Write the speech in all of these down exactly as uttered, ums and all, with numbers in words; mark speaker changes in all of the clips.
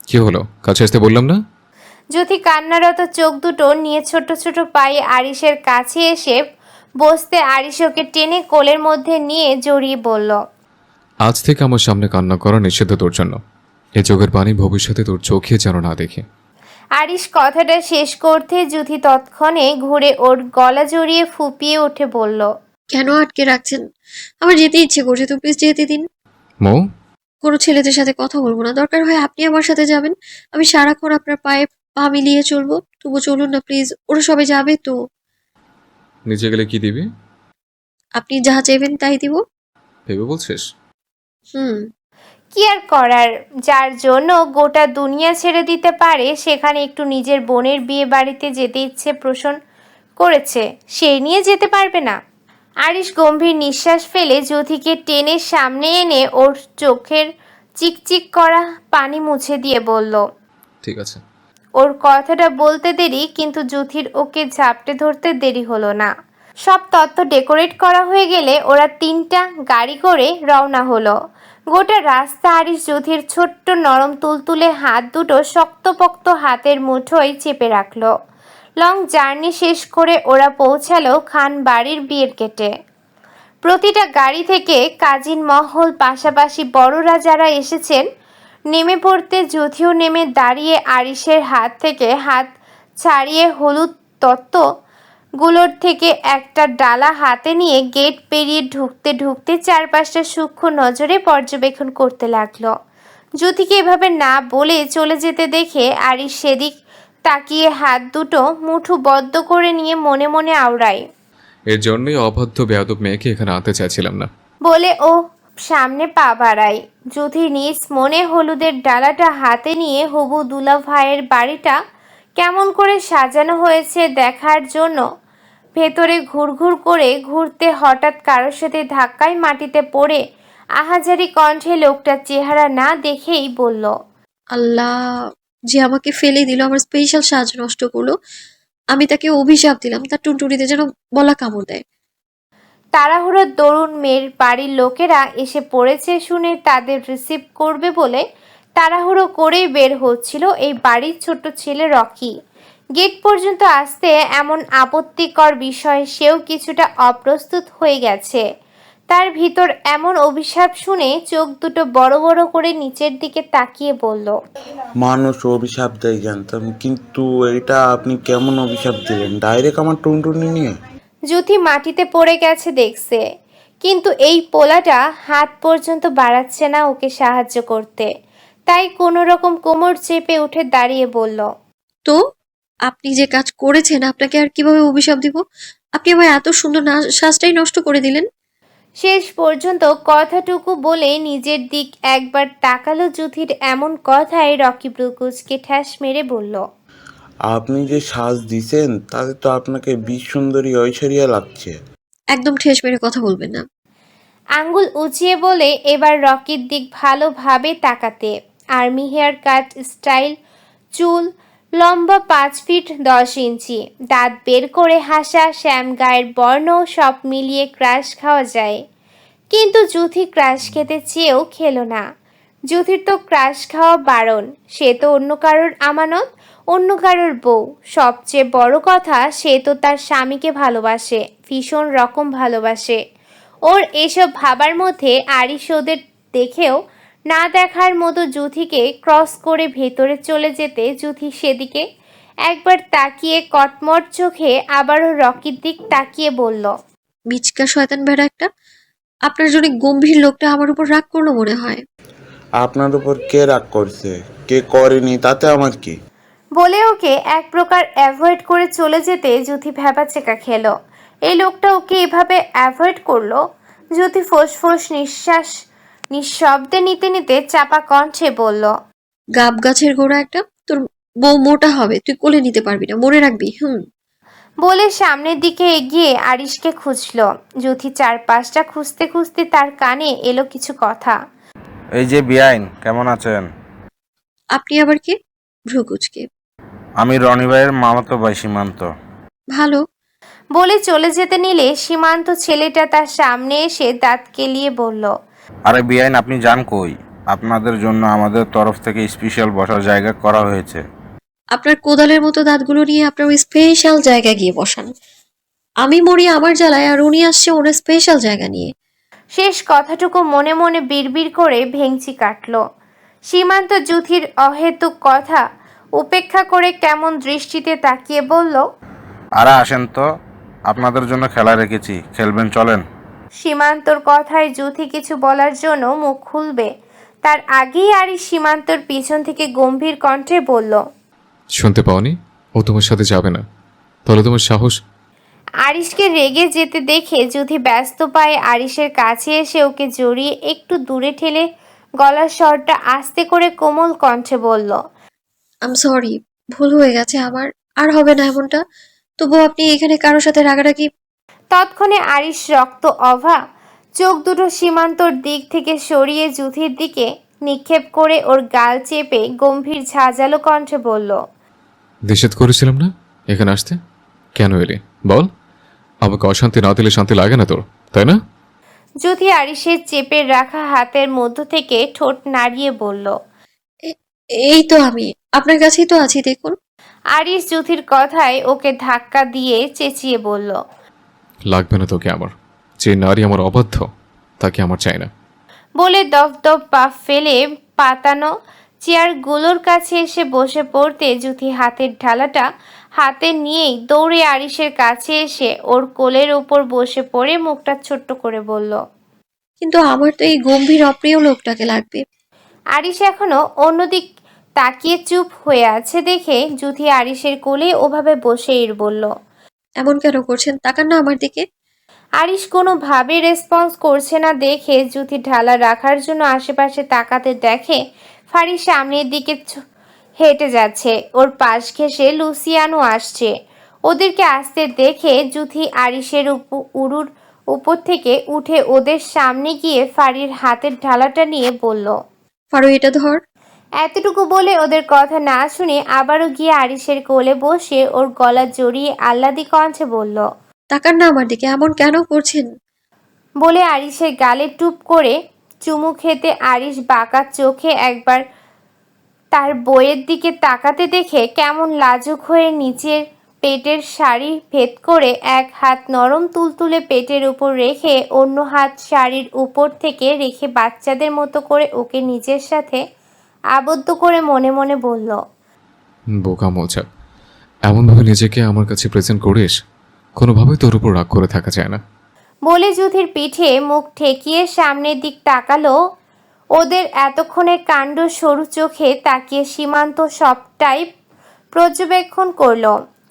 Speaker 1: কি হলো? কাছে আসতে বললাম না?
Speaker 2: জ্যোতি কান্নারত চোখ দুটো নিয়ে ছোট ছোট পায়ে আরিশের কাছে এসে বসতে আরিশ ওকে টেনে কোলের মধ্যে নিয়ে জড়িয়ে বলল,
Speaker 1: আজ থেকে আমার সামনে কান্না করা নিষিদ্ধ তোর জন্য। এ চোখের পানি ভবিষ্যতে তোর চোখে যেন না দেখে।
Speaker 2: আরিশ কথাটা শেষ করতে জ্যোতি তৎক্ষণে ঘুরে ওর গলা জড়িয়ে ফুপিয়ে উঠে বলল,
Speaker 3: কেন আটকে রাখছেন? আমার যেতে ইচ্ছে করছে, তো প্লিজ যেতে দিন।
Speaker 1: মৌ,
Speaker 3: কোনো ছেলেদের সাথে কথা বলবো না, দরকার হয় আপনি আমার সাথে যাবেন। আমি সারাক্ষণ আপনার পায়ে পা মিলিয়ে চলবো, তবু চলুন না প্লিজ। ওরা সবাই যাবে তো।
Speaker 1: নিচে গেলে কি দিবি?
Speaker 3: আপনি যা চাইবেন তাই দিব।
Speaker 1: ভেবে বলছিস?
Speaker 3: হুম।
Speaker 2: কি আর করার, যার জন্য গোটা দুনিয়া ছেড়ে দিতে পারে সেখানে একটু নিজের বোনের বিয়ে বাড়িতে যেতে ইচ্ছে পোষণ করেছে, সে নিয়ে যেতে পারবে না? আরিশ গম্ভীর নিঃশ্বাস ফেলে জ্যোতিকে টেনে সামনে এনে ওর চোখের চিকচিক করা পানি মুছে দিয়ে বলল।
Speaker 1: ঠিক আছে।
Speaker 2: ওর কথাটা বলতে দেরি, কিন্তু জ্যোতির ওকে ঝাপটে ধরতে দেরি হলো না। সব তত্ত্ব ডেকোরেট করা হয়ে গেলে ওরা তিনটা গাড়ি করে রওনা হলো। গোটা রাস্তা আরিশ জ্যোতির ছোট্ট নরম তুলতুলে হাত দুটো শক্তপোক্ত হাতের মুঠোয় চেপে রাখলো। লং জার্নি শেষ করে ওরা পৌঁছালো খান বাড়ির বিয়ের গেটে। প্রতিটা গাড়ি থেকে কাজিন মহল পাশাপাশি বড়রা যারা এসেছেন নেমে পড়তে জ্যোতিও নেমে দাঁড়িয়ে আরিশের হাত থেকে হাত ছাড়িয়ে হলুদ তত্ত্বগুলোর থেকে একটা ডালা হাতে নিয়ে গেট পেরিয়ে ঢুকতে ঢুকতে চারপাশটা সূক্ষ্ম নজরে পর্যবেক্ষণ করতে লাগলো। জ্যোতিকে এভাবে না বলে চলে যেতে দেখে আরিশ সেদিক তাকিয়ে হাত দুটো মুঠো বদ্ধ করে নিয়ে মনে মনে আওড়ায়।
Speaker 1: এর জন্যই অবাধ্য বেয়াদব মেয়েকে এখানে আনতে চাইছিলাম না।
Speaker 2: বলে ও সামনে পা বাড়ায়। জ্যোতি নিজ মনে হলুদের ডালাটা হাতে নিয়ে হবু দুলা ভাইয়ের বাড়িটা কেমন করে সাজানো হয়েছে দেখার জন্য ভেতরে ঘুরঘুর করে ঘুরতে হঠাৎ কারোর সাথে ধাক্কায় মাটিতে পড়ে আহাজারি কণ্ঠে লোকটার চেহারা না দেখেই বলল,
Speaker 3: আল্লাহ, যে আমাকে ফেলে দিল, আমার স্পেশাল সাজ নষ্ট করলো। আমি তাকে অভিশাপ দিলাম, তার টুনটুনিতে যেন বলা কামড় দেয়।
Speaker 2: তাড়াহুড়োর দরুন মেয়ের বাড়ির লোকেরা এসে পড়েছে শুনে তাদের রিসিভ করবে বলে তাড়াহুড়ো করেই বের হচ্ছিল এই বাড়ির ছোট্ট ছেলে রকি। গেট পর্যন্ত আসতে এমন আপত্তিকর বিষয়ে সেও কিছুটা অপ্রস্তুত হয়ে গেছে। তার ভিতর এমন অভিশাপ শুনে চোখ দুটো বড় বড় করে নিচের দিকে তাকিয়ে বলল,
Speaker 4: মানুষ অভিশাপ দেয় জানতাম, কিন্তু এটা আপনি কেমন অভিশাপ দিলেন ডাইরেক্ট আমার টুনটুনি নিয়ে?
Speaker 2: জ্যোতি মাটিতে পড়ে গেছে দেখছে, কিন্তু এই পোলাটা হাত পর্যন্ত বাড়াচ্ছে না ওকে সাহায্য করতে। তাই কোনো রকম কোমর চেপে উঠে দাঁড়িয়ে বলল,
Speaker 3: তো আপনি যে কাজ করেছেন, আপনাকে আর কিভাবে অভিশাপ দিব? আপনি আমার এত সুন্দর না সাজটাই নষ্ট করে দিলেন।
Speaker 2: শেষ পর্যন্ত কথাটুকু বলে নিজের দিক একবার তাকালো জ্যোতির এমন কথায় রকি ব্রুকুজকে ঠ্যাস মেরে বলল,
Speaker 4: আপনি যে সাজ দিছেন তাতে তো আপনাকে বিশ সুন্দরী ঐশ্বরিয়া লাগছে।
Speaker 3: একদম ঠেস মেরে কথা বলবেন না।
Speaker 2: আঙ্গুল উঁচিয়ে বলে এবার রকির দিক ভালোভাবে তাকাতে। আর্মি হেয়ার কাট স্টাইল, চুল লম্বা পাঁচ ফিট দশ ইঞ্চি, দাঁত বের করে হাসা, শ্যাম গায়ের বর্ণ সব মিলিয়ে ক্রাশ খাওয়া যায়। কিন্তু জ্যোতি ক্রাশ খেতে চেয়েও খেলো না। জ্যোতির তো ক্রাশ খাওয়া বারণ, সে তো অন্য কারোর আমানত, অন্য কারোর বউ। সবচেয়ে বড় কথা, সে তো তার স্বামীকে ভালোবাসে, ভীষণ রকম ভালোবাসে। ওর এসব ভাবার মধ্যে আরিশ ওদের দেখেও না দেখার মতো জ্যোতিকে ক্রস করে ভেতরে চলে যেতে জ্যোতি সেদিকে একবার তাকিয়ে কটমট চোখে আবারও রকির দিক তাকিয়ে বলল,
Speaker 3: বিচকা শয়তান বেড়া একটা। আপনার জন্য গম্ভীর লোকটা আমার উপর রাগ করলো মনে হয়।
Speaker 4: আপনার উপর কে রাগ করছে, কে করেনি তাতে আমার কি?
Speaker 2: বলে ওকে এক প্রকার অ্যাভয়েড করে চলে যেতে জ্যোতি ভ্যাবাচেকা খেলো। এই লোকটা ওকে এভাবে অ্যাভয়েড করলো। জ্যোতি ফোঁস নিঃশ্বাস নিঃশব্দে নিতে নিতে চাপা কণ্ঠে বলল,
Speaker 3: গাব গাছের গোড়া একটা। তোর বউ মোটা হবে, তুই কোলে নিতে পারবি না, মনে রাখবি। হুম।
Speaker 2: বলে সামনের দিকে এগিয়ে আরিশকে খুঁজলো। জ্যোতি চারপাশটা খুঁজতে খুঁজতে তার কানে এলো কিছু কথা।
Speaker 5: এই যে বিআইন, কেমন আছেন?
Speaker 3: আপনি আবার কে? ভ্রুকুচকে।
Speaker 5: আমি রনি ভাইয়ের মামাতো ভাই সীমান্ত।
Speaker 3: ভালো।
Speaker 2: বলে চলে যেতে নিলে সীমান্ত ছেলেটা তার সামনে এসে দাঁত কেলিয়ে বলল,
Speaker 5: আরে বিআইন, আপনি যান কই? আপনাদের জন্য আমাদের তরফ থেকে স্পেশাল বসার জায়গা করা হয়েছে।
Speaker 3: আপনার কোদালের মতো দাঁতগুলো নিয়ে আপনার ওই স্পেশাল জায়গায় গিয়ে বসান। আমি মরি আমার জ্বালায় আর উনি আসছে ওনার স্পেশাল জায়গা নিয়ে।
Speaker 2: শেষ কথাটুকু মনে মনে বিড়বিড় করে ভেঙচি কাটল। সীমান্ত জুথির অহেতুক কথা উপেক্ষা করে কেমন দৃষ্টিতে তাকিয়ে বলল,
Speaker 5: আরে আসেন তো, আপনাদের জন্য খেলা রেখেছি, খেলবেন চলেন।
Speaker 2: সীমান্তর কথায় জুথি কিছু বলার জন্য মুখ খুলবে তার আগেই আরিশ সীমান্তর পিছন থেকে গম্ভীর কণ্ঠে বলল,
Speaker 1: শুনতে পাওনি? ও তোমার সাথে যাবে না। তাহলে তোমার সাহস?
Speaker 2: আরিশকে রেগে যেতে দেখে জুথি ব্যস্ত পায়ে আরিশের কাছে এসে ওকে জড়িয়ে একটু দূরে ঠেলে গলার স্বরটা আস্তে করে কোমল কণ্ঠে বলল,
Speaker 3: আম সরি, ভুল হয়ে গেছে আমার, আর হবে না এমনটা। তবু আপনি এখানে কারোর সাথে রাগারাগি।
Speaker 2: তৎক্ষণে আরিশ রক্ত অভা চোখ দুটো সীমান্তর দিক থেকে সরিয়ে জুথির দিকে নিক্ষেপ করে ওর গাল চেপে গম্ভীর ঝাঁঝালো কণ্ঠে বলল,
Speaker 1: নিষেধ করেছিলাম না এখানে আসতে? কেন এলি বল? আমাকে অশান্তি না দিলে শান্তি লাগে না তোর, তাই না?
Speaker 2: জুথি আরিশের চেপে রাখা হাতের মধ্য থেকে ঠোঁট নাড়িয়ে বলল,
Speaker 3: এ- এই তো আমি আপনার কাছেই তো আছি, দেখুন।
Speaker 2: আরিশ জুথির কথায় ওকে ধাক্কা দিয়ে চেঁচিয়ে বলল,
Speaker 1: লাগবে না তোকে আমার। যে নারী আমার অবাধ্য তাকে আমার চাই না।
Speaker 2: বলে দপ দপ পা ফেলে পাতানো চেয়ারগুলোর কাছে এসে বসে পড়তে জুথি হাতের ঢালাটা হাতে নিয়েই দৌড়ে আরিশের কাছে এসে ওর কোলের ওপর বসে পড়ে মুখটা ছোট্ট করে বলল,
Speaker 3: কিন্তু আমার তো এই গম্ভীর অপ্রিয় লোকটাকে লাগবে।
Speaker 2: আরিশ এখনো অন্যদিক তাকিয়ে চুপ হয়ে আছে দেখে জুথি আরিশের কোলে ওভাবে বসেই বলল,
Speaker 3: এমন কেন করছেন? তাকান না আমার দিকে।
Speaker 2: আরিশ কোনোভাবে রেসপন্স করছে না দেখে জুথি ঢালা রাখার জন্য আশেপাশে তাকাতে দেখে ফারি সামনের দিকে ছ- হেঁটে যাচ্ছে। ওর পাশ ঘেঁষে লুসিয়ানো আসছে। ওদেরকে আসতে দেখে জুথি আরিশের উপ- উরুর উপর থেকে উঠে ওদের সামনে গিয়ে ফারির হাতের ঢালাটা নিয়ে বলল,
Speaker 3: ফারু, এটা ধর।
Speaker 2: এতটুকু বলে ওদের কথা না শুনে আবারও গিয়ে আরিশের কোলে বসে ওর গলা জড়িয়ে আহ্লাদি কণ্ঠে বলল,
Speaker 3: তাকান না আমার দিকে, এমন কেন করছেন?
Speaker 2: বলে আরিশের গালে টুপ করে চুমু খেতে আরিশ বাঁকা চোখে একবার তার বইয়ের দিকে তাকাতে দেখে কেমন লাজুক হয়ে নিচের পেটের শাড়ি ভেদ করে এক হাত নরম তুলতুলে পেটের উপর রেখে অন্য হাত শাড়ির উপর থেকে রেখে বাচ্চাদের মতো করে ওকে নিজের সাথে আবদ্ধ করে মনে মনে বলল,
Speaker 1: বোকা মোচাক, এমনভাবে নিজেকে আমার কাছে প্রেজেন্ট করিস, কোনোভাবেই তোর উপর রাগ করে থাকা যায় না।
Speaker 2: বলে জুথির পিঠে মুখ ঠেকিয়ে সামনের দিক তাকালো। ওদের এতক্ষণে কাণ্ড সরু চোখে তাকিয়ে সীমান্ত সবটাই পর্যবেক্ষণ করলো।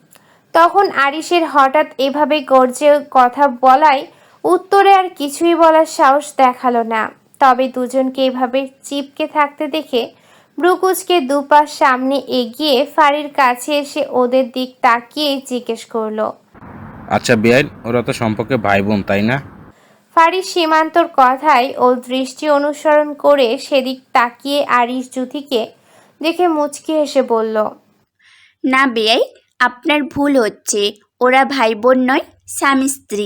Speaker 2: তখন আরিশের হঠাৎ এভাবে গর্জে কথা বলায় উত্তরে আর কিছুই বলার সাহস দেখালো না। তবে দুজনকে এভাবে চিপকে থাকতে দেখে ব্রুকুচকে দুপা সামনে এগিয়ে ফারির কাছে এসে ওদের দিক তাকিয়ে জিজ্ঞেস করলো,
Speaker 5: আচ্ছা বেআইন, ওরা তো সম্পর্কে ভাই বোন তাই না?
Speaker 2: ফারি সীমান্তর কথায় ওর দৃষ্টি অনুসরণ করে সেদিক তাকিয়ে আরিশ জুথিকে দেখে মুচকি হেসে বলল,
Speaker 6: না বেয়াই, আপনার ভুল হচ্ছে, ওরা ভাই বোন নয়, স্বামী স্ত্রী।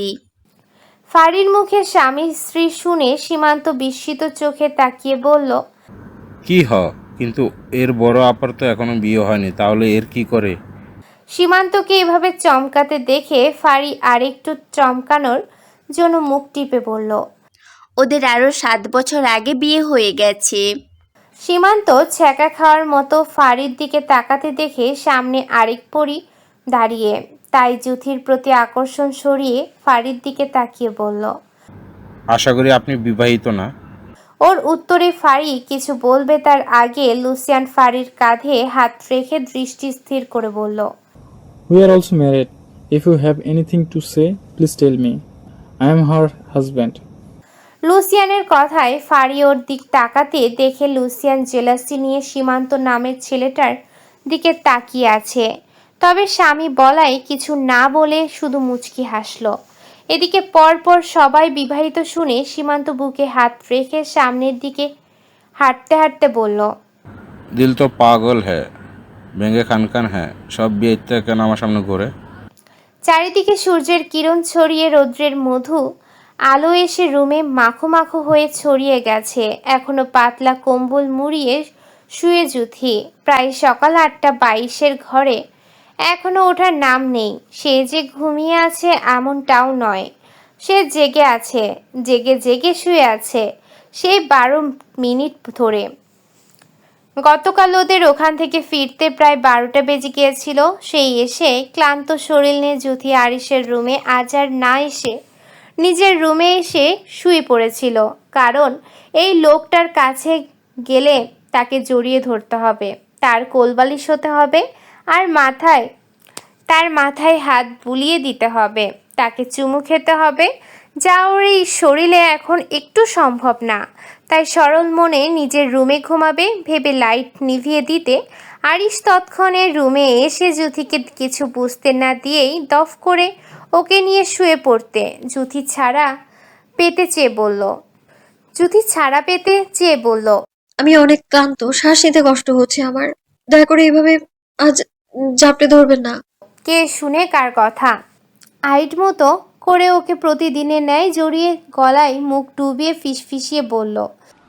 Speaker 2: ফারির মুখে স্বামী স্ত্রী শুনে সীমান্ত বিস্মিত চোখে তাকিয়ে বলল,
Speaker 5: কি হ, কিন্তু এর বড় আপার তো এখনো বিয়ে হয়নি, তাহলে এর কি করে?
Speaker 2: সীমান্তকে এভাবে চমকাতে দেখে ফারি আরেকটু চমকানোর জন্য মুখ টিপে বলল,
Speaker 6: ওদের আরও সাত বছর আগে বিয়ে হয়ে গেছে।
Speaker 2: সীমান্ত ছ্যাঁকা খাওয়ার মতো ফারির দিকে তাকাতে দেখে সামনে আরেক পরি দাঁড়িয়ে, তাই জুথির প্রতি আকর্ষণ সরিয়ে ফারির দিকে তাকিয়ে বলল।
Speaker 5: আশা করি আপনি বিবাহিত না?
Speaker 2: ওর উত্তরে ফারি কিছু বলবে তার আগে লুসিয়ান ফারির কাঁধে হাত রেখে দৃষ্টি স্থির করে বলল,
Speaker 7: We are also married. If you have anything to say, please tell me. I am her husband.
Speaker 2: লুসিয়ানের কথায় ফারি ওর দিক তাকাতে দেখে লুসিয়ান জেলাসি নিয়ে সীমান্ত নামের ছেলেটার দিকে তাকিয়ে আছে। তবে স্বামী বলায় কিছু না বলে শুধু মুচকি হাসলো। এদিকে পরপর সবাই বিবাহিত শুনে সীমান্ত বুকে হাত রেখে সামনের দিকে হাঁটতে হাঁটতে বলল,
Speaker 5: দিল তো পাগল হ্যাঁ, ভেঙে খানখান হ্যাঁ, সব বিয়ে কেন আমার সামনে ঘুরে?
Speaker 2: চারিদিকে সূর্যের কিরণ ছড়িয়ে রৌদ্রের মধু আলো এসে রুমে মাখো মাখো হয়ে ছড়িয়ে গেছে। এখনো পাতলা কম্বল মুড়িয়ে শুয়ে জুথি। প্রায় সকাল আটটা বাইশের ঘরে এখনো ওঠার নাম নেই। সে যে ঘুমিয়ে আছে এমনটাও নয়, সে জেগে আছে, জেগে জেগে শুয়ে আছে সেই বারো মিনিট ধরে। গতকাল ওদের ওখান থেকে ফিরতে প্রায় বারোটা বেজে গিয়েছিল। সেই এসে ক্লান্ত শরীর নিয়ে জুথি আরিশের রুমে আজ আর না এসে নিজের রুমে এসে শুয়ে পড়েছিল। কারণ এই লোকটার কাছে গেলে তাকে জড়িয়ে ধরতে হবে, তার কোলবালিশ হতে হবে, আর মাথায় তার মাথায় হাত বুলিয়ে দিতে হবে, তাকে চুমু খেতে হবে, যা ওর এই শরীরে এখন একটু সম্ভব না। তাই সরল মনে নিজের রুমে ঘুমাবে ভেবে লাইট নিভিয়ে দিতে আরিশ তৎক্ষণে রুমে এসে জুথিকে কিছু বুঝতে না দিয়েই দফ করে ওকে নিয়ে শুয়ে পড়তে জুথি ছাড়া পেতে চেয়ে বলল জুথি ছাড়া পেতে চেয়ে বলল
Speaker 3: আমি অনেক ক্লান্ত, শ্বাস নিতে কষ্ট হচ্ছে আমার। দয়া করে এইভাবে আজ জাপটে ধরবেন না।
Speaker 2: কে শুনে কার কথা। আইট মতো করে ওকে প্রতিদিনের ন্যায় জড়িয়ে গলায় মুখ ডুবিয়ে ফিসফিসিয়ে বলল,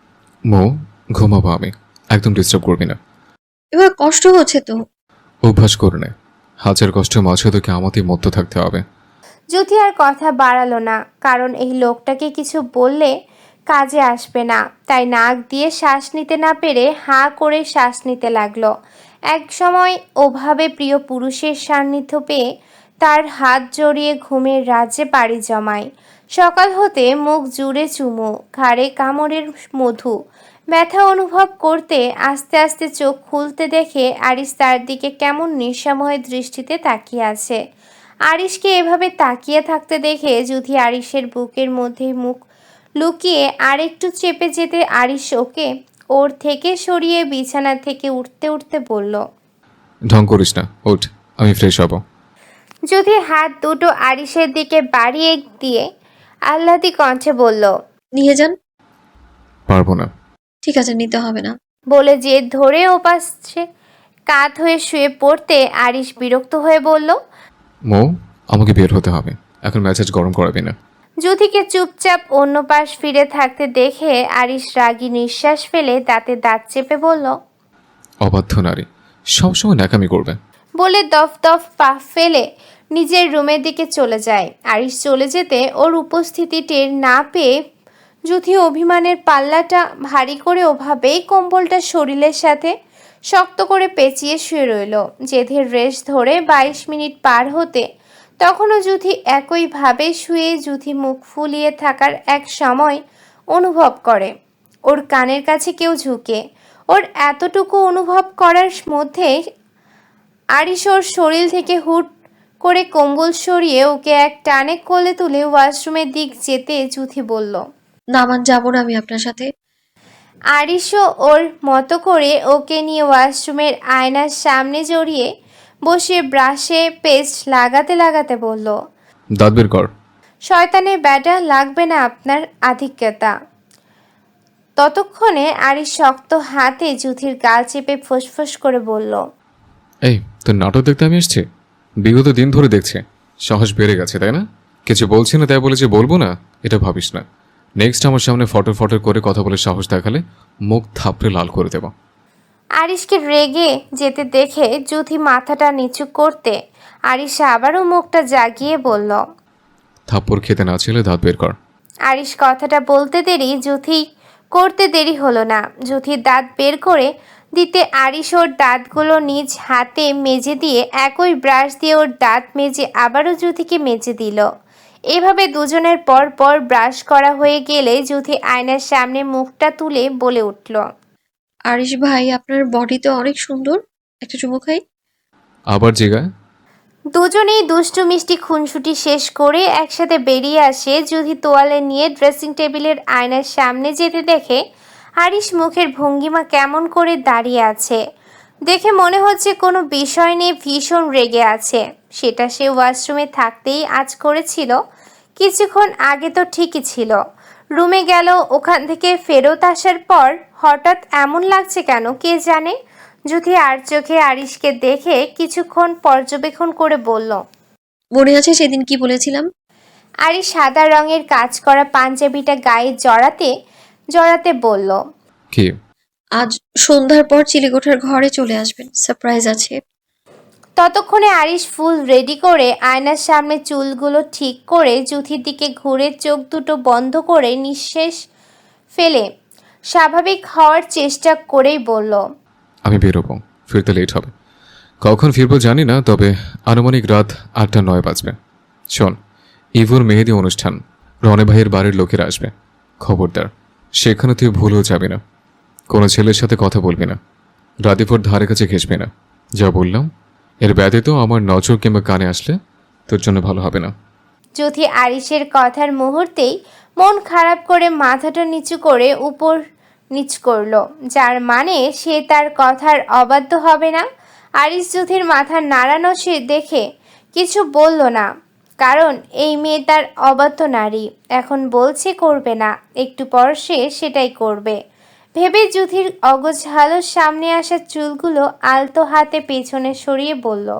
Speaker 1: মো, ঘুমাবো আমি, একদম ডিস্টার্ব করবি না।
Speaker 3: এবার কষ্ট হচ্ছে তো।
Speaker 1: অভ্যাস করে নে, হাজার কষ্ট মাঝে তোকে আমাদের মধ্যে থাকতে হবে।
Speaker 2: জুথি আর কথা বাড়ালো না, কারণ এই লোকটাকে কিছু বললে কাজে আসবে না। তাই নাক দিয়ে শ্বাস নিতে না পেরে হাঁ করে শ্বাস নিতে লাগলো। এক সময় ওভাবে প্রিয় পুরুষের সান্নিধ্য পেয়ে তার হাত জড়িয়ে ঘুমের রাজ্যে পাড়ি জমায়। সকাল হতে মুখ জুড়ে চুমু, ঘাড়ে কামড়ের মধু, ব্যথা অনুভব করতে আস্তে আস্তে চোখ খুলতে দেখে আরিশ তার দিকে কেমন নিঃসময় দৃষ্টিতে তাকিয়ে আছে। আরিশকে এভাবে তাকিয়ে থাকতে দেখে জুথি আরিশের বুকের মধ্যে মুখ লুকিয়ে আরেকটু চেপে যেতে আরিশ ওকে ওর থেকে সরিয়ে বিছানা থেকে উঠতে উঠতে বলল,
Speaker 1: ঢং করিস না, ওঠ, আমি ফ্রেশ হব।
Speaker 2: জুথি হাত দুটো আরিশের দিকে বাড়িয়ে দিয়ে আহ্লাদি কণ্ঠে বলল,
Speaker 3: নিয়ে যান।
Speaker 1: পারবো না।
Speaker 3: ঠিক আছে, নিতে হবে না।
Speaker 2: বলে জেদ ধরে ওপাশে কাত হয়ে শুয়ে পড়তে আরিশ বিরক্ত হয়ে বলল,
Speaker 1: মো, আমাকে বের হতে হবে, এখন মেজাজ গরম করাবি না।
Speaker 2: জুথিকে চুপচাপ অন্য পাশ ফিরে থাকতে দেখে আরিশ রাগী নিঃশ্বাস ফেলে দাঁতে দাঁত চেপে বলল,
Speaker 1: অবাধ্য নারী, সবসময় ন্যাকামি করবে।
Speaker 2: বলে দফ দফ পা ফেলে নিজের রুমের দিকে চলে যায়। আরিশ চলে যেতে ওর উপস্থিতি টের না পেয়ে জুথি অভিমানের পাল্লাটা ভারী করে ওভাবেই কম্বলটা শরীরের সাথে শক্ত করে পেঁচিয়ে শুয়ে রইল। জেদের রেশ ধরে বাইশ মিনিট পার হতে তখনও জুথি একইভাবে শুয়ে জুথি মুখ ফুলিয়ে থাকার এক সময় অনুভব করে ওর কানের কাছে কেউ ঝুঁকে। ওর এতটুকু অনুভব করার মধ্যে আরিশ ওর শরীর থেকে হুট করে কম্বল সরিয়ে ওকে এক টানে কোলে তুলে ওয়াশরুমের দিক যেতে জুথি বলল,
Speaker 3: নামান, যাবো না আমি আপনার সাথে।
Speaker 2: আরিশও ওর মতো করে ওকে নিয়ে ওয়াশরুমের আয়নার সামনে জড়িয়ে বসে ব্রাশে পেস্ট লাগাতে লাগাতে বলল,
Speaker 1: দাঁত বের কর।
Speaker 2: শয়তানের ব্যাটা, লাগবে না আপনার আধিক্যতা। ততক্ষণে আরিশ শক্ত হাতে জুথির গাল চেপে ফোঁসফোঁস করে বলল,
Speaker 1: এই, তোর নাটক দেখতে আমি এসছি? বিগত দিন ধরে দেখছি, সাহস বেড়ে গেছে তাই না? কিছু বলছি না তাই বলে যে বলবো না এটা ভাবিস না। নেক্সট আমার সামনে ফটো ফটো করে কথা বলে সাহস দেখালে মুখ থাপড়ে লাল করে দেব।
Speaker 2: আরিশকে রেগে যেতে দেখে জুথি মাথাটা নিচু করতে আরিশ আবারও মুখটা জাগিয়ে বলল,
Speaker 1: থাপ্পড় খেতে না ছিলে দাঁত বের কর।
Speaker 2: আরিশ কথাটা বলতে দেরি জুথি করতে দেরি হলো না। জুথির দাঁত বের করে দিতে আরিশ ওর দাঁতগুলো নিজ হাতে মেজে দিয়ে একই ব্রাশ দিয়ে ওর দাঁত মেজে আবারও জুথিকে মেজে দিল। এভাবে দুজনের পর পর ব্রাশ করা হয়ে গেলে জুথি আয়নার সামনে মুখটা তুলে বলে উঠল,
Speaker 3: আরিশ ভাই, আপনার বডি তো অনেক সুন্দর, একটা চুমু খাই।
Speaker 1: আবার জিগায়।
Speaker 2: দুজনেই দুষ্টু মিষ্টি খুনসুটি শেষ করে একসাথে বেরিয়ে আসে। জুথি তোয়ালে নিয়ে ড্রেসিং টেবিলের আয়নার সামনে যেতে দেখে আরিশ মুখের ভঙ্গিমা কেমন করে দাঁড়িয়ে আছে। দেখে মনে হচ্ছে কোনো বিষয় নিয়ে ভীষণ রেগে আছে। সেটা সে ওয়াশরুমে থাকতেই আজ করেছিল। কিছুক্ষণ আগে তো ঠিকই ছিল। রুমে গেল, ওখান থেকে ফেরত আসার পর হঠাৎ এমন লাগছে কেন কে জানে। জুথি আর চোখে আরিশকে দেখে কিছুক্ষণ পর্যবেক্ষণ করে বলল,
Speaker 3: মনে আছে সেদিন কি বলেছিলাম?
Speaker 2: আরিশ সাদা রঙের কাজ করা পাঞ্জাবিটা গায়ে জড়াতে জড়াতে বলল,
Speaker 1: কি?
Speaker 3: আজ সন্ধ্যার পর চিলেকোঠার ঘরে চলে আসবেন, সারপ্রাইজ আছে।
Speaker 2: ততক্ষণে আরিশ ফুল রেডি করে আয়নার সামনে চুলগুলো ঠিক করে জুথির দিকে ঘুরে চোখ দুটো বন্ধ করে নিঃশ্বাস ফেলে স্বাভাবিক হওয়ার চেষ্টা করেই বলল,
Speaker 1: আমি বেরোবো, ফিরতে লেট হবে। কখন ফিরবো জানি না, তবে আনুমানিক রাত আটটা নয় বাজবে। শোন, ইভুর মেহেদি অনুষ্ঠান, রনে ভাইয়ের বাড়ির লোকেরা আসবে। খবরদার, সেখানে তুই ভুলেও যাবি না। কোনো ছেলের সাথে কথা বলবি না, রাধিপুর ধারে কাছে ঘেসবি না। যা বললাম, এর ব্যতীত আমার নজর কিংবা কানে আসলে তোর জন্য ভালো হবে না।
Speaker 2: জুথি আরিশের কথার মুহূর্তেই মন খারাপ করে মাথাটা নিচু করে উপর নিচ করলো, যার মানে সে তার কথার অবাধ্য হবে না। আরিশ জুথির মাথা নাড়ানো সে দেখে কিছু বলল না, কারণ এই মেয়ে তার অবাধ্য নারী। এখন বলছে করবে না, একটু পর সে সেটাই করবে ভেবে জুথির অগোছালো সামনে আসা চুলগুলো আলতো হাতে পেছনে সরিয়ে বলল,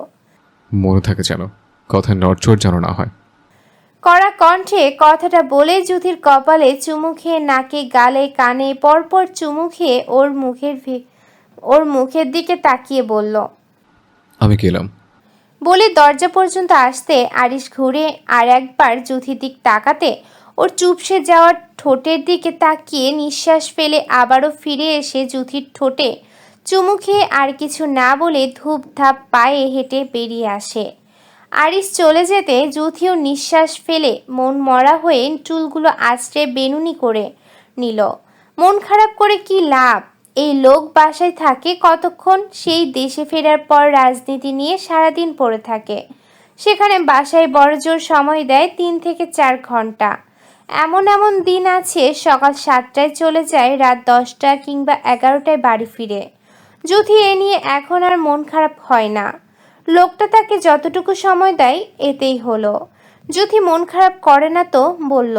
Speaker 1: মনে থাকে যেন কথায় নড়চড় যেন না হয়।
Speaker 2: কড়া কণ্ঠে কথাটা বলে জুথির কপালে চুমু খেয়ে নাকে গালে কানে পরপর চুমু খেয়ে ওর মুখের ভে- ওর মুখের দিকে তাকিয়ে বলল,
Speaker 1: আমি গেলাম।
Speaker 2: বলে দরজা পর্যন্ত আসতে আরিশ ঘুরে আর একবার জুথির দিক তাকাতে ওর চুপসে যাওয়ার ঠোঁটের দিকে তাকিয়ে নিঃশ্বাস ফেলে আবারও ফিরে এসে জুথির ঠোঁটে চুমু খেয়ে আর কিছু না বলে ধূপ ধাপ পায়ে হেঁটে বেরিয়ে আসে। আরিশ চলে যেতে জুথিও নিঃশ্বাস ফেলে মন মরা হয়ে চুলগুলো আঁচড়ে বেনুনি করে নিল। মন খারাপ করে কি লাভ? এই লোক বাসায় থাকে কতক্ষণ? সেই দেশে ফেরার পর রাজনীতি নিয়ে সারাদিন পড়ে থাকে। সেখানে বাসায় বড়জোর সময় দেয় তিন থেকে চার ঘন্টা। এমন এমন দিন আছে সকাল সাতটায় চলে যায়, রাত দশটা কিংবা এগারোটায় বাড়ি ফিরে। জুথি এ নিয়ে এখন আর মন খারাপ হয় না। লোকটা তাকে যতটুকু সময় দেয় এতেই হলো। জুথি মন খারাপ করে না তো বলল,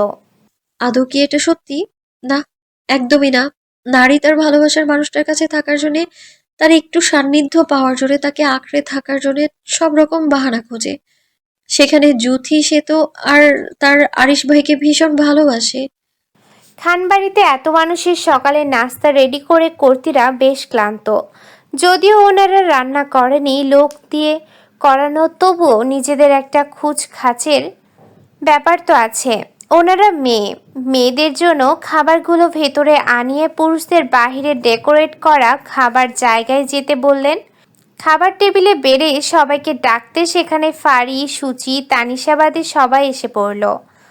Speaker 3: আদৌ কি এটা সত্যি? না, একদমই না। নারী তার ভালোবাসার মানুষটার কাছে থাকার জন্যে, তার একটু সান্নিধ্য পাওয়ার জন্য, তাকে আঁকড়ে থাকার জন্য সব রকম বাহানা খোঁজে। সেখানে জুথি সে তো আর তার আরিশ ভাইকে ভীষণ ভালোবাসে।
Speaker 2: খানবাড়িতে এত মানুষের সকালে নাস্তা রেডি করে কর্তীরা বেশ ক্লান্ত। যদিও ওনারা রান্না করেনি, লোক দিয়ে করানো, তবুও নিজেদের একটা খুঁজ খাচের ব্যাপার তো আছে। ওনারা মেয়ে, মেয়েদের জন্য খাবারগুলো ভেতরে আনিয়ে পুরুষদের বাহিরে ডেকোরেট করা খাবার জায়গায় যেতে বললেন। খাবার টেবিলে বেড়ে সবাইকে ডাকতে সেখানে ফারি, সুচি, তানিশাবাদে সবাই এসে পড়ল।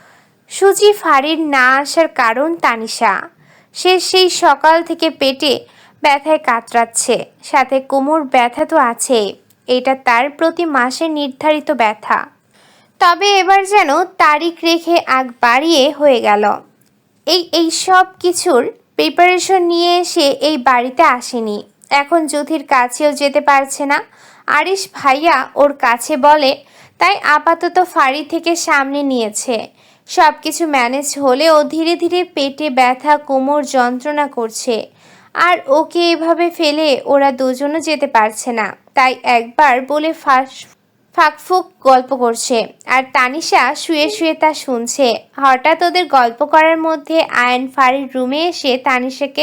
Speaker 2: সুচি ফারির না আসার কারণ তানিশা। সে সেই সকাল থেকে পেটে ব্যথায় কাতরাচ্ছে, সাথে কোমর ব্যথা তো আছেই। এটা তার প্রতি মাসে নির্ধারিত ব্যথা। তবে এবার যেন তারিখ রেখে আগ বাড়িয়ে হয়ে গেল। এই এই সব কিছুর প্রিপারেশন নিয়ে এসে এই বাড়িতে আসেনি। এখন জ্যোতির কাছেও যেতে পারছে না। আরিশ ভাইয়া ওর কাছে বলে, তাই আপাতত ফাড়ি থেকে সামনে নিয়েছে। সব কিছু ম্যানেজ হলেও ধীরে ধীরে পেটে ব্যথা, কোমর যন্ত্রণা করছে। আর ওকে এভাবে ফেলে ওরা দুজনও যেতে পারছে না। তাই একবার বলে ফাঁস ফাঁকফুক গল্প করছে, আর তানিশা শুয়ে শুয়ে তা শুনছে। হঠাৎ ওদের গল্প করার মধ্যে আয়ন ফারির রুমে এসে তানিশাকে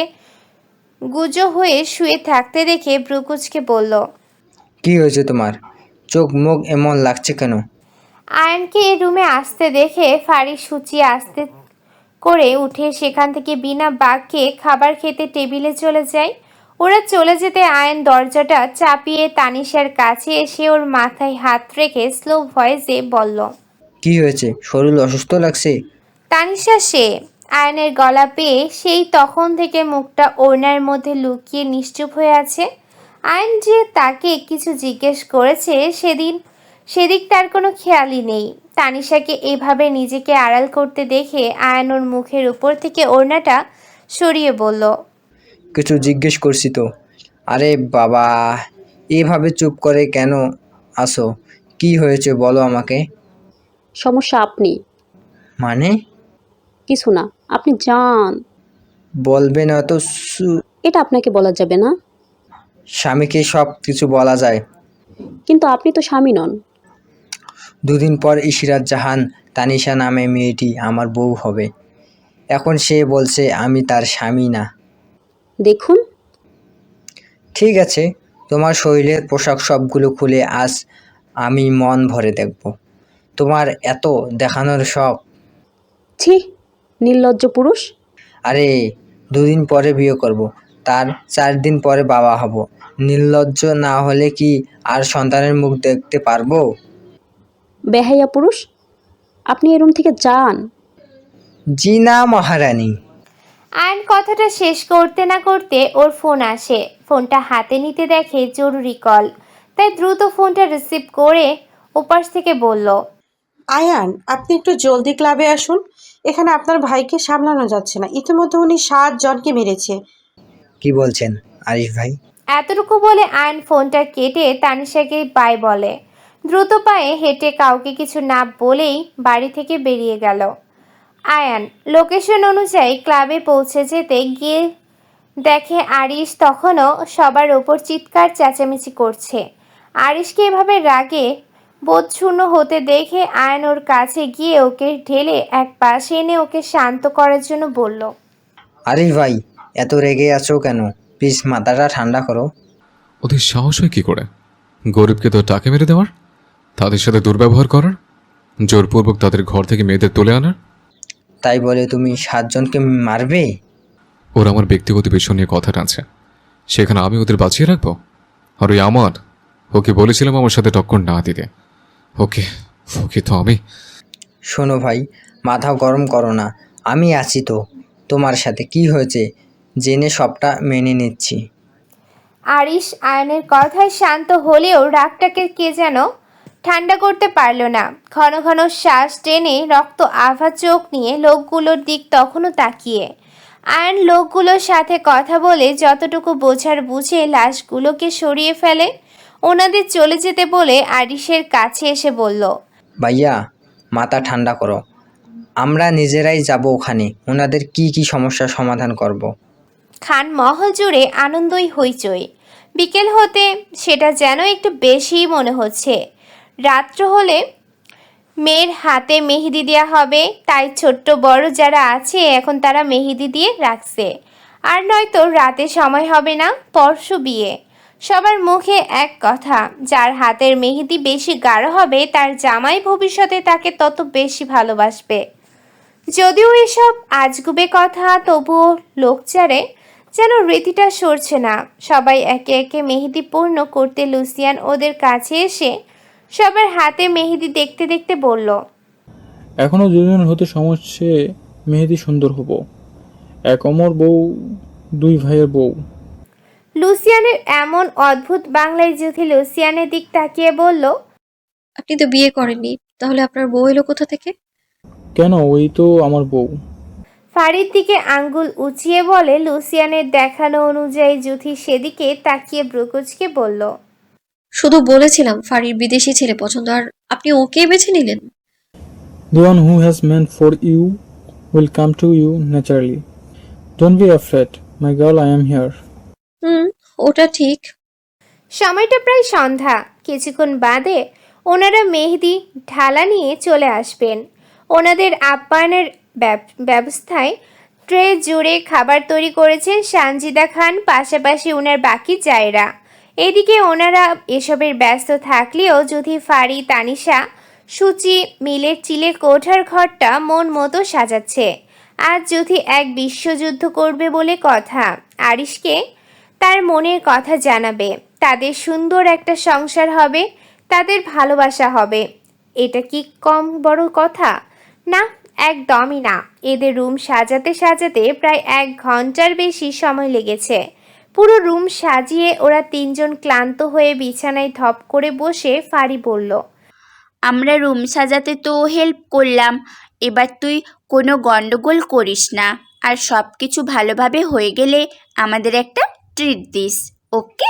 Speaker 2: গুজো হয়ে শুয়ে থাকতে দেখে ব্রুকুচকে বলল,
Speaker 8: কি হয়েছে তোমার? চোখ মুখ এমন লাগছে কেন?
Speaker 2: আয়নকে এই রুমে আসতে দেখে ফারি সূচি আস্তে করে উঠে সেখান থেকে বিনা বাক্যে খাবার খেতে টেবিলে চলে যায়। ওরা চলে যেতে আয়ন দরজাটা চাপিয়ে তানিশার কাছে এসে ওর মাথায় হাত রেখে স্লো ভয়েসে বলল,
Speaker 8: কি হয়েছে? শরীর অসুস্থ লাগছে?
Speaker 2: তানিশা সে আয়নের গলা পেয়ে সেই তখন থেকে মুখটা ওড়নার মধ্যে লুকিয়ে নিশ্চুপ হয়ে আছে। আয়ন যে তাকে কিছু জিজ্ঞেস করেছে সেদিন সেদিক তার কোনো খেয়ালই নেই। তানিশাকে এভাবে নিজেকে আড়াল করতে দেখে আয়ন ওর মুখের উপর থেকে ওড়নাটা সরিয়ে বলল,
Speaker 8: কিছু জিজ্ঞেস করছি তো। আরে বাবা, এভাবে চুপ করে কেন আসো? কি হয়েছে বলো আমাকে।
Speaker 9: সমস্যা আপনি।
Speaker 8: মানে?
Speaker 9: কিছু না, আপনি যান।
Speaker 8: বলবে না তো? সু-
Speaker 9: এটা আপনাকে বলা যাবে না।
Speaker 8: স্বামীকে সব কিছু বলা যায়,
Speaker 9: কিন্তু আপনি তো স্বামী নন।
Speaker 8: দুদিন পর ইশরাত জাহান তানিশা নামে মেয়েটি আমার বউ হবে। এখন সে বলছে আমি তার স্বামী না।
Speaker 9: দেখুন,
Speaker 8: ঠিক আছে, তোমার শরীরের পোশাক সবগুলো খুলে আজ আমি মন ভরে দেখব। তোমার এত দেখানোর শখ।
Speaker 9: ছি, নির্লজ্জ পুরুষ।
Speaker 8: আরে, দুদিন পরে বিয়ে করব, তার চার দিন পরে বাবা হব। নির্লজ্জ না হলে কি আর সন্তানের মুখ দেখতে পারবো?
Speaker 9: বেহাইয়া পুরুষ, আপনি এই রুম থেকে যান।
Speaker 8: জি না মহারানী।
Speaker 2: আয়ন কথাটা শেষ করতে না করতে ওর ফোন আসে। ফোনটা হাতে নিতে দেখে জরুরি কল, তাই দ্রুত ফোনটা রিসিভ করে ওপাশ থেকে বলল,
Speaker 10: আয়ান, আপনি একটু জলদি ক্লাবে আসুন। এখানে আপনার ভাইকে সামলানো যাচ্ছে না। ইতিমধ্যে উনি সাত জনকে মেরেছে।
Speaker 8: কি বলছেন আরিফ ভাই?
Speaker 2: এতটুকু বলে আয়ন ফোনটা কেটে তানিশাকে বাই বলে। দ্রুত পায়ে হেঁটে কাউকে কিছু না বলেই বাড়ি থেকে বেরিয়ে গেল। আয়ান লোকেশন অনুযায়ী ক্লাবে পৌঁছে যেতে গিয়ে দেখে আরিশ তখনও সবার ওপর চিৎকার চেঁচামেচি করছে। আরিশকে এভাবে রাগে বোধশূন্য হতে দেখে আয়ন ওর কাছে গিয়ে ওকে ঢেলে এক পাশে এনে ওকে শান্ত করার জন্য বলল,
Speaker 8: আরিফ ভাই, এত রেগে আছো কেন? প্লিজ মাথাটা ঠান্ডা করো।
Speaker 1: ওদের সাহস হয় কী করে গরিবকে তো টাকা মেরে দেওয়ার, তাদের সাথে দুর্ব্যবহার করার, জোরপূর্বক তাদের ঘর থেকে মেয়েদের তুলে আনার?
Speaker 8: তাই বলে তুমি সাতজনকে মারবে?
Speaker 1: ওরা আমার ব্যক্তিগত বিষয় নিয়ে কথা টানছে, সেখানে আমি ওদের বাঁচিয়ে রাখবো? আর ওই আমার, ওকে বলেছিলাম আমার সাথে টক্কর না দিতে। ওকে ওকে তো আমি।
Speaker 8: শোনো ভাই, মাথা গরম করো না। আমি আছি তো তোমার সাথে। কি হয়েছে জেনে সবটা মেনে নিচ্ছি।
Speaker 2: আরিশ আয়নের কথায় শান্ত হলেও রাগটাকে কে যেন ঠান্ডা করতে পারল না। ঘন ঘন শ্বাস টেনে রক্ত আভা চোখ নিয়ে লোকগুলোর দিক তখনও তাকিয়ে আয়ন লোকগুলোর সাথে কথা বলে যতটুকু বোঝার বুঝে লাশগুলোকে সরিয়ে ফেলে। ওনাদের চলে যেতে বলে আরিশের কাছে এসে বলল,
Speaker 8: ভাইয়া, মাথা ঠান্ডা করো। আমরা নিজেরাই যাব ওখানে, ওনাদের কি কি সমস্যার সমাধান করব।
Speaker 2: খান মহল জুড়ে আনন্দই হইচই। বিকেল হতে সেটা যেন একটু বেশিই মনে হচ্ছে। রাত্র হলে মেয়ের হাতে মেহেদি দেওয়া হবে, তাই ছোট্ট বড় যারা আছে এখন তারা মেহেদি দিয়ে রাখছে। আর নয়তো রাতে সময় হবে না, পরশু বিয়ে। সবার মুখে এক কথা, যার হাতের মেহেদি বেশি গাঢ় হবে তার জামাই ভবিষ্যতে তাকে তত বেশি ভালোবাসবে। যদিও এসব আজগুবে কথা, তবুও লোকচারে যেন রীতিটা সরছে না। সবাই একে একে মেহেদি পূর্ণ করতে লুসিয়ান ওদের কাছে এসে সবার হাতে মেহেদি দেখতে দেখতে বলল,
Speaker 7: এখনো দুজন হতে সমস্যে মেহেদি সুন্দর হব। এক অমর বউ, দুই ভাইয়ের বউ।
Speaker 2: লুসিয়ানের এমন অদ্ভুত বাংলায় যুথি লুসিয়ানের দিক তাকিয়ে বলল,
Speaker 3: আপনি তো বিয়ে করেননি, তাহলে আপনার বউ এলো কোথা থেকে?
Speaker 7: কেন, ওই তো আমার বউ।
Speaker 2: ফারির দিকে আঙ্গুল উঁচিয়ে বলে লুসিয়ানের দেখানো অনুযায়ী যুথি সেদিকে তাকিয়ে ব্রুকুচকে বলল,
Speaker 3: শুধু বলেছিলাম ফারির বিদেশি ছেলে পছন্দ, আর আপনি ওকে বেছে নিলেন।
Speaker 7: The one who has meant for you will come to you naturally. Don't be afraid, my girl, I am here.
Speaker 3: হুম, ওটা ঠিক।
Speaker 2: সময়টা প্রায় সন্ধ্যা। কিছুক্ষণ বাদে ওনারা মেহেদি ঢালা নিয়ে চলে আসবেন। ওনাদের আপ্যায়নের ব্যব- ব্যবস্থায় ট্রে জুড়ে খাবার তৈরি করেছেন সানজিদা খান, পাশাপাশি ওনার বাকি জায়রা। এদিকে ওনারা এসবের ব্যস্ত থাকলেও যদি ফারি তানিশা সূচি মিলের চিলে কোঠার ঘরটা মন মতো সাজাচ্ছে। আজ যদি এক বিশ্বযুদ্ধ করবে বলে কথা, আরিশকে তার মনের কথা জানাবে। তাদের সুন্দর একটা সংসার হবে, তাদের ভালোবাসা হবে। এটা কি কম বড় কথা? না, একদমই না। এদের রুম সাজাতে সাজাতে প্রায় এক ঘন্টার বেশি সময় লেগেছে। পুরো রুম সাজিয়ে ওরা তিনজন ক্লান্ত হয়ে বিছানায় ধপ করে বসে ফারি বলল,
Speaker 6: আমরা রুম সাজাতে তো হেল্প করলাম, এবার তুই কোনো গন্ডগোল করিস না, আর সব কিছু ভালোভাবে হয়ে গেলে আমাদের একটা ট্রিট দিস, ওকে?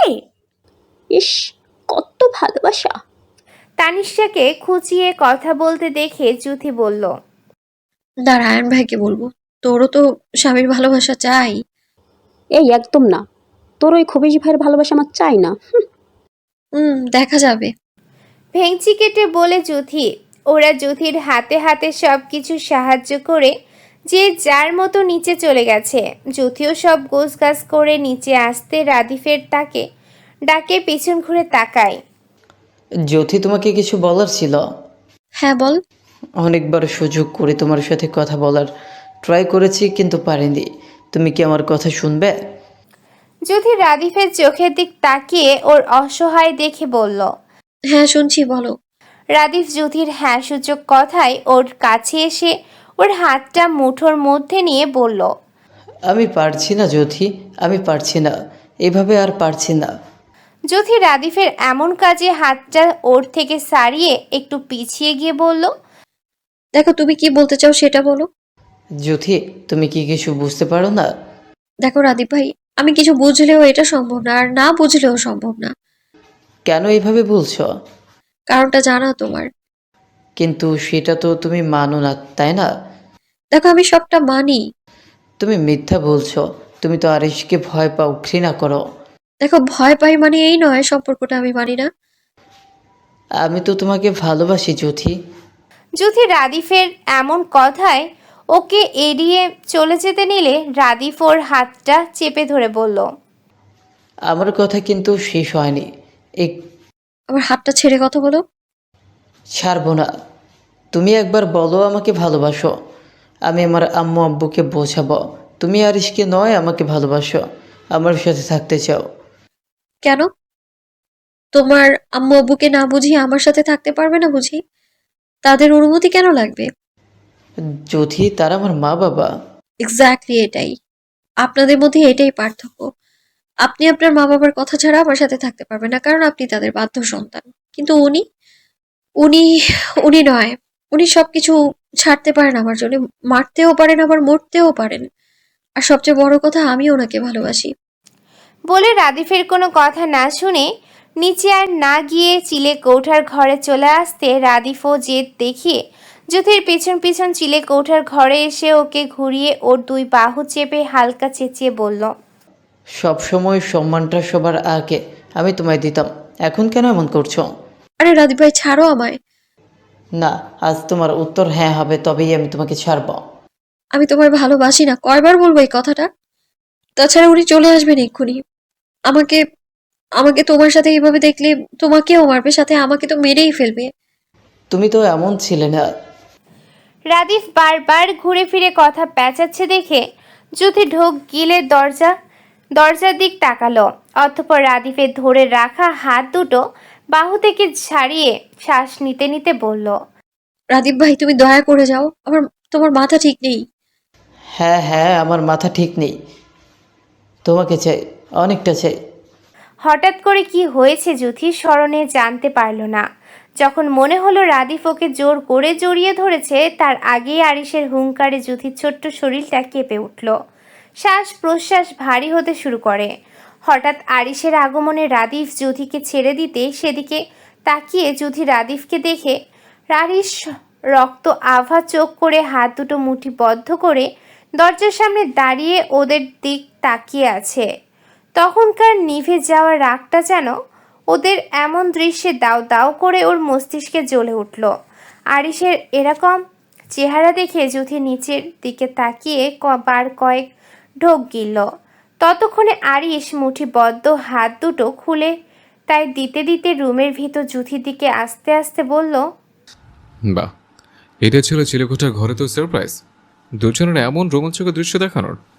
Speaker 9: ইস, কত ভালোবাসা।
Speaker 2: তানিশাকে খুঁচিয়ে কথা বলতে দেখে জুথি বলল,
Speaker 3: দাঁড়া, আয়ন ভাইকে বলবো। তোরও তো স্বামীর ভালোবাসা চাই।
Speaker 9: এই একদম না, তোর ওই খবিশ ভাইয়ের ভালোবাসা আমার চাই না। হুম,
Speaker 3: হুম, দেখা যাবে।
Speaker 2: ভেংচি কেটে বলে জুথি। ওরা জ্যোতির হাতে হাতে সব কিছু সাহায্য করে যে যার মতো নিচে চলে গেছে। জ্যোতিও সব গোছগাছ করে নিচে আসতে রাদিফের তাকে ডাকে পিছন ঘুরে তাকায়।
Speaker 11: জ্যোতি, তোমাকে কিছু বলার ছিল।
Speaker 3: হ্যাঁ বল।
Speaker 11: অনেকবার সুযোগ করে তোমার সাথে কথা বলার ট্রাই করেছি কিন্তু পারিনি। তুমি কি আমার কথা শুনবে?
Speaker 2: জ্যোতি রাদিফের চোখের দিক তাকিয়ে ওর অসহায় দেখে বলল।
Speaker 3: হ্যাঁ শুনছি, বলো।
Speaker 2: রাদিফ জ্যোতির হ্যাঁ সূচক কথায় ওর কাছে এসে ওর হাতটা মুঠোর মধ্যে নিয়ে বলল।
Speaker 11: আমি পারছি না জ্যোতি, আমি পারছি না, এভাবে আর পারছি না।
Speaker 2: জ্যোতি রাদিফের এমন কাজে হাতটা ওর থেকে সারিয়ে একটু পিছিয়ে গিয়ে বলল।
Speaker 3: দেখো তুমি কি বলতে চাও সেটা বলো।
Speaker 11: জ্যোতি, তুমি কি কিছু বুঝতে পারো না?
Speaker 3: দেখো রাদীপ ভাই, আমি কিছু বুঝলেও এটা সম্ভব না, আর না বুঝলেও সম্ভব না।
Speaker 11: কেন এইভাবে বলছো?
Speaker 3: কারণটা জানা তোমার।
Speaker 11: কিন্তু সেটা তো তুমি মানো না, তাই না?
Speaker 3: দেখো আমি সবটা মানি।
Speaker 11: তুমি মিথ্যা বলছো। তুমি তো আরিশকে ভয় পাও, ঘৃণা করো।
Speaker 3: দেখো ভয় পাই মানে এই নয় সম্পর্কটা আমি মানি না।
Speaker 11: আমি তো তোমাকে ভালোবাসি জ্যোতি।
Speaker 2: জ্যোতি রাদিফের এমন কথায় ওকে এড়িয়ে চলে যেতে নিলে রাদিফ ওর হাতটা চেপে ধরে বলল।
Speaker 11: আমার কথা কিন্তু শেষ হয়নি। এক
Speaker 3: আমার হাতটা ছেড়ে কথা বলো।
Speaker 11: ছাড়বো না। তুমি একবার বলো আমাকে ভালোবাসো। আমি আমার আম্মু আব্বুকে বোঝাবো তুমি আরিশকে নয় আমাকে ভালোবাসো, আমার সাথে থাকতে চাও।
Speaker 3: কেন? তোমার আম্মু আব্বুকে না বুঝিয়ে আমার সাথে থাকতে পারবে না বুঝি? তাদের অনুমতি কেন লাগবে?
Speaker 11: জ্যোতি, তারা আমার মা বাবা।
Speaker 3: এক্স্যাক্টলি এটাই। আপনাদের মধ্যে এটাই পার্থক্য। আপনি আপনার মা বাবার কথা ছাড়া আমার সাথে থাকতে পারবেন না, কারণ আপনি তাদের বাধ্য সন্তান। কিন্তু উনি উনি উনি নয়। উনি সবকিছু ছাড়তে পারেন আমার জন্য, মারতেও পারেন আবার মরতেও পারেন। আর সবচেয়ে বড় কথা, আমি ওনাকে ভালোবাসি।
Speaker 2: বলে রাদিফের কোনো কথা না শুনে নিচে আর না গিয়ে চিলে কৌঠার ঘরে চলে আসতে রাদিফও জেদ দেখিয়ে জ্যোতির পিছন পিছন চিলে কৌঠার ঘরে এসে ওকে ঘুরিয়ে ওর দুই বাহু চেপে হালকা চেঁচিয়ে বলল।
Speaker 11: সব সময় সম্মানটা সবার আগে আমি তোমায় দিতাম, এখন কেন এমন করছো?
Speaker 3: আরে রাদীপ ভাই ছাড়ো আমায়।
Speaker 11: না, আজ তোমার উত্তর হ্যাঁ হবে, তবেই আমি তোমাকে ছাড়বো।
Speaker 3: আমি তোমার ভালোবাসি না, কয়বার বলবো এই কথাটা? তাছাড়া উনি চলে আসবেন এক্ষুনি। আমাকে আমাকে তোমার সাথে এইভাবে দেখলে তোমাকেও মারবে, সাথে আমাকে তো মেরেই ফেলবে।
Speaker 11: তুমি তো এমন ছিলে না।
Speaker 2: রাদিফ বারবার ঘুরে ফিরে কথা পেঁচাচ্ছে দেখে জ্যোতি ঢোক গিলে দরজা দরজার দিক তাকালো। অতঃপর রাদিফের ধরে রাখা হাত দুটো বাহু থেকে ছাড়িয়ে শ্বাস নিতে নিতে বলল।
Speaker 3: রাদীপ ভাই তুমি দয়া করে যাও, আমার তোমার মাথা ঠিক নেই।
Speaker 11: হ্যাঁ হ্যাঁ, আমার মাথা ঠিক নেই, তোমাকে চাই, অনেকটা চাই।
Speaker 2: হঠাৎ করে কি হয়েছে জ্যোতির স্মরণে জানতে পারল না। যখন মনে হলো রাদিফ ওকে জোর করে জড়িয়ে ধরেছে, তার আগেই আরিশের হুঙ্কারে জ্যোতির ছোট্ট শরীরটা কেঁপে উঠল। শ্বাস প্রশ্বাস ভারী হতে শুরু করে। হঠাৎ আরিশের আগমনে রাদিফ জ্যোতিকে ছেড়ে দিতে সেদিকে তাকিয়ে জ্যোতি রাদিফকে দেখে আরিশ রক্ত আভা চোখ করে হাত দুটো মুঠিবদ্ধ করে দরজার সামনে দাঁড়িয়ে ওদের দিক তাকিয়ে আছে। তখনকার নিভে যাওয়া রাগটা যেন ওদের এমন দৃশ্যে দাও দাও করে ওর মস্তিষ্কে জ্বলে উঠল। আরিশের এরকম চেহারা দেখে জ্যোতি নিচের দিকে তাকিয়ে বার কয়েক ঢোক গিলল। ততক্ষণে আরিশ মুঠিবদ্ধ হাত দুটো খুলে তাই দিতে দিতে রুমের ভিতর জ্যোতির দিকে আস্তে আস্তে বলল।
Speaker 1: বাহ, এটা ছিল চিলেকোঠার ঘরে তো সারপ্রাইজ, দুজনের এমন রোমাঞ্চকর দৃশ্য দেখানোর।